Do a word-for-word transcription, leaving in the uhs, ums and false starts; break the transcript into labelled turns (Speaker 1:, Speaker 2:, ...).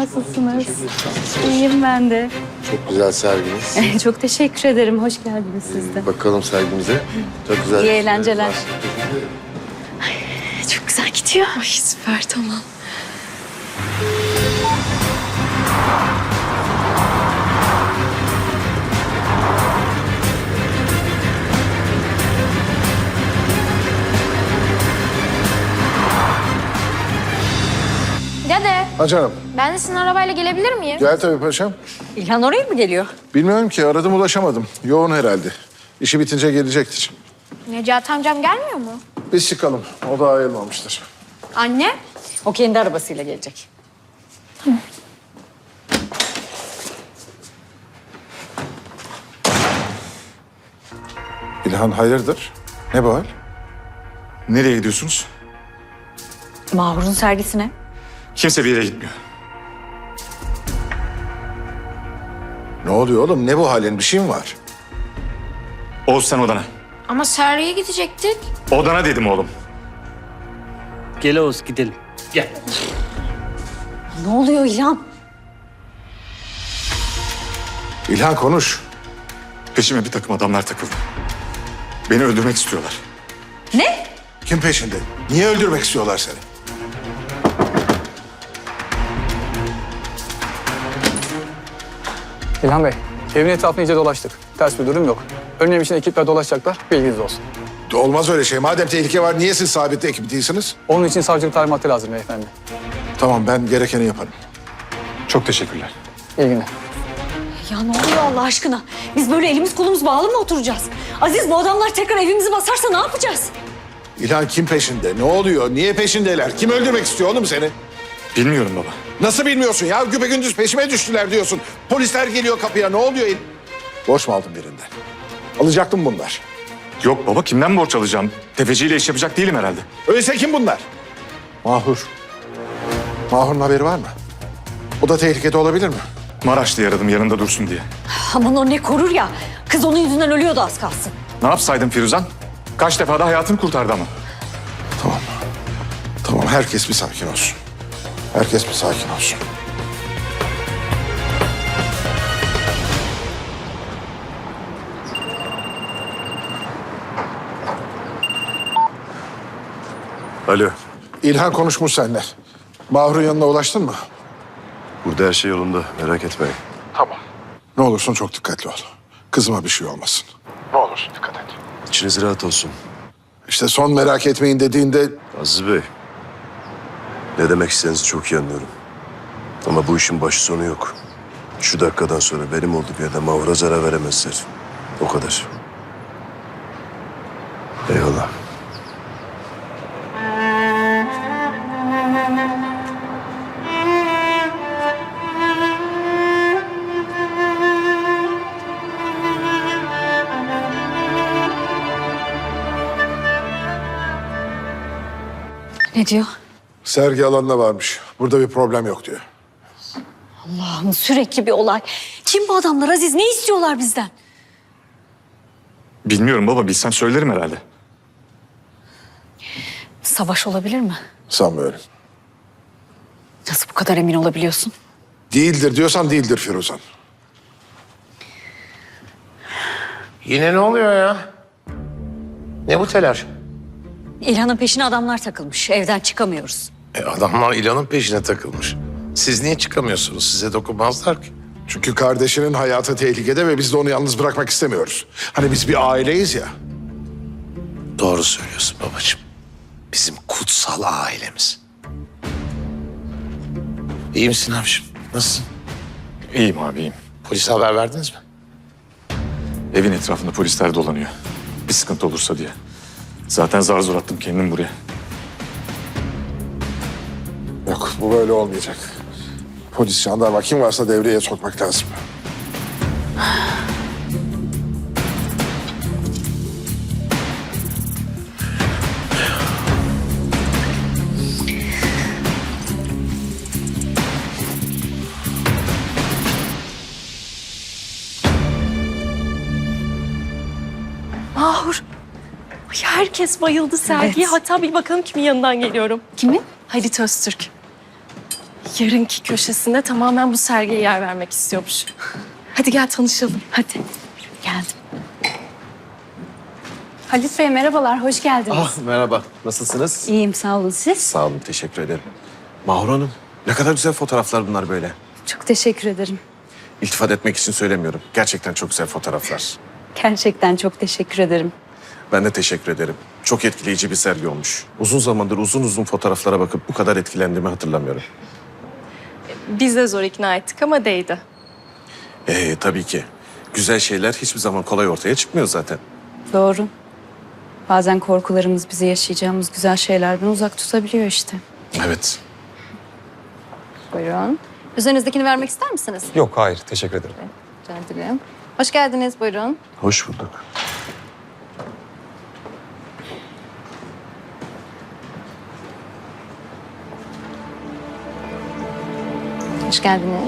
Speaker 1: nasılsınız? İyiyim ben de.
Speaker 2: Çok güzel serginiz.
Speaker 1: Çok teşekkür ederim. Hoş geldiniz siz de.
Speaker 2: Ee, bakalım sergimize. Çok güzel.
Speaker 1: İyi eğlenceler.
Speaker 3: Çok güzel gidiyor. Ay süper, tamam.
Speaker 4: Dede,
Speaker 5: Ha canım.
Speaker 4: ben de sizin arabayla gelebilir miyim?
Speaker 5: Gel tabii paşam.
Speaker 1: İlhan oraya mı geliyor?
Speaker 5: Bilmiyorum ki aradım ulaşamadım. Yoğun herhalde. İşi bitince gelecektir.
Speaker 4: Necati amcam gelmiyor mu?
Speaker 5: Biz çıkalım. O da ayılmamıştır.
Speaker 4: Anne?
Speaker 1: O kendi arabasıyla gelecek.
Speaker 5: İlhan hayırdır? Ne bu hal?
Speaker 6: Nereye gidiyorsunuz?
Speaker 1: Mahur'un sergisine.
Speaker 6: Kimse bir yere gitmiyor.
Speaker 5: Ne oluyor oğlum? Ne bu halin? Bir şey mi var?
Speaker 6: Oğuz sen odana.
Speaker 4: Ama Sergi'ye gidecektik.
Speaker 6: Odana dedim oğlum.
Speaker 7: Gel Oğuz gidelim.
Speaker 1: Ne oluyor İlhan?
Speaker 5: İlhan konuş.
Speaker 6: Peşime bir takım adamlar takıldı. Beni öldürmek istiyorlar.
Speaker 1: Ne?
Speaker 5: Kim peşinde? Niye öldürmek istiyorlar seni?
Speaker 8: İlhan Bey, evin etrafını iyice dolaştık. Ters bir durum yok. Önlem için ekipler dolaşacaklar, bilginiz olsun.
Speaker 5: Olmaz öyle şey. Madem tehlike var niye siz sabit ekip değilsiniz?
Speaker 8: Onun için savcılık talimatı lazım beyefendi.
Speaker 5: Tamam ben gerekeni yaparım.
Speaker 6: Çok teşekkürler.
Speaker 8: İyi günler.
Speaker 1: Ya ne oluyor Allah aşkına? Biz böyle elimiz kolumuz bağlı mı oturacağız? Aziz, bu adamlar tekrar evimizi basarsa ne yapacağız?
Speaker 5: İlhan kim peşinde? Ne oluyor? Niye peşindeler? Kim öldürmek istiyor oğlum seni?
Speaker 6: Bilmiyorum baba.
Speaker 5: Nasıl bilmiyorsun ya? Güpegündüz peşime düştüler diyorsun. Polisler geliyor kapıya. Ne oluyor? Borç mu aldın birinden? Alacaktım bunlar.
Speaker 6: Yok baba, kimden borç alacağım? Tefeciyle iş yapacak değilim herhalde.
Speaker 5: Öyleyse kim bunlar? Mahur. Mahur'un haberi var mı? O da tehlikede olabilir mi?
Speaker 6: Maraşlı'yı aradım yanında dursun diye.
Speaker 1: Aman o ne korur ya. Kız onun yüzünden ölüyordu az kalsın.
Speaker 6: Ne yapsaydım Firuzan? Kaç defa da hayatını kurtardı ama.
Speaker 5: Tamam. Tamam herkes bir sakin olsun. Herkes bir sakin olsun.
Speaker 2: Alo.
Speaker 5: İlhan konuşmuş seninle. Mahur'un yanına ulaştın mı?
Speaker 2: Burada her şey yolunda. Merak etmeyin.
Speaker 5: Tamam. Ne olursun çok dikkatli ol. Kızıma bir şey olmasın. Ne olursun dikkat et.
Speaker 2: İçiniz rahat olsun.
Speaker 5: İşte son merak etmeyin dediğinde
Speaker 2: Aziz Bey. Ne demek istediğinizi çok iyi anlıyorum. Ama bu işin başı sonu yok. Şu dakikadan sonra benim olduğum yerde Mahur'a zarar veremezler. O kadar. Eyvallah.
Speaker 1: Ne diyor?
Speaker 5: sergi alanına varmış. Burada bir problem yok diyor.
Speaker 1: Allah'ım sürekli bir olay. Kim bu adamlar Aziz? Ne istiyorlar bizden?
Speaker 6: Bilmiyorum baba, bilsem söylerim herhalde.
Speaker 1: Savaş olabilir mi?
Speaker 5: Sanmıyorum.
Speaker 1: Nasıl bu kadar emin olabiliyorsun?
Speaker 5: Değildir diyorsan değildir Firuzan.
Speaker 9: Yine ne oluyor ya? Ne bu telaş?
Speaker 1: İlhan'ın peşine adamlar takılmış. Evden çıkamıyoruz.
Speaker 9: E adamlar İlan'ın peşine takılmış. Siz niye çıkamıyorsunuz? Size dokunmazlar ki.
Speaker 5: Çünkü kardeşinin hayatı tehlikede ve biz de onu yalnız bırakmak istemiyoruz. Hani biz bir aileyiz ya.
Speaker 9: Doğru söylüyorsun babacığım. Bizim kutsal ailemiz. İyi misin abiciğim? Nasılsın?
Speaker 6: İyiyim abi, iyiyim.
Speaker 9: Polise haber verdiniz mi?
Speaker 6: Evin etrafında polisler dolanıyor. Bir sıkıntı olursa diye. Zaten zar zor attım kendim buraya.
Speaker 5: Yok bu böyle olmayacak. Polis, jandarma kim varsa devreye sokmak lazım.
Speaker 3: Mahur. Ay, herkes bayıldı sergiye.
Speaker 1: Evet.
Speaker 3: Hatta bir bakalım kimin yanından geliyorum.
Speaker 1: Kimin?
Speaker 3: Halit Öztürk. yarınki köşesinde tamamen bu sergiye yer vermek istiyormuş. Hadi gel tanışalım. Hadi.
Speaker 1: Geldim.
Speaker 3: Halit Bey merhabalar, hoş geldiniz.
Speaker 10: Ah merhaba, nasılsınız?
Speaker 1: İyiyim sağ olun siz.
Speaker 10: Sağ olun, teşekkür ederim. Mahur Hanım, ne kadar güzel fotoğraflar bunlar böyle.
Speaker 1: Çok teşekkür ederim.
Speaker 10: İltifat etmek için söylemiyorum. Gerçekten çok güzel fotoğraflar.
Speaker 1: Gerçekten çok teşekkür ederim.
Speaker 10: Ben de teşekkür ederim. Çok etkileyici bir sergi olmuş. Uzun zamandır uzun uzun fotoğraflara bakıp bu kadar etkilendiğimi hatırlamıyorum.
Speaker 3: Biz de zor ikna ettik ama değdi.
Speaker 10: Ee, tabii ki. Güzel şeyler hiçbir zaman kolay ortaya çıkmıyor zaten.
Speaker 1: Doğru. Bazen korkularımız bizi yaşayacağımız güzel şeylerden uzak tutabiliyor işte.
Speaker 10: Evet.
Speaker 11: Buyurun. Üzerinizdekini vermek ister misiniz?
Speaker 8: Yok, hayır. Teşekkür ederim.
Speaker 11: Rica ederim. Hoş geldiniz. Buyurun.
Speaker 2: Hoş bulduk.
Speaker 11: Hoş geldiniz.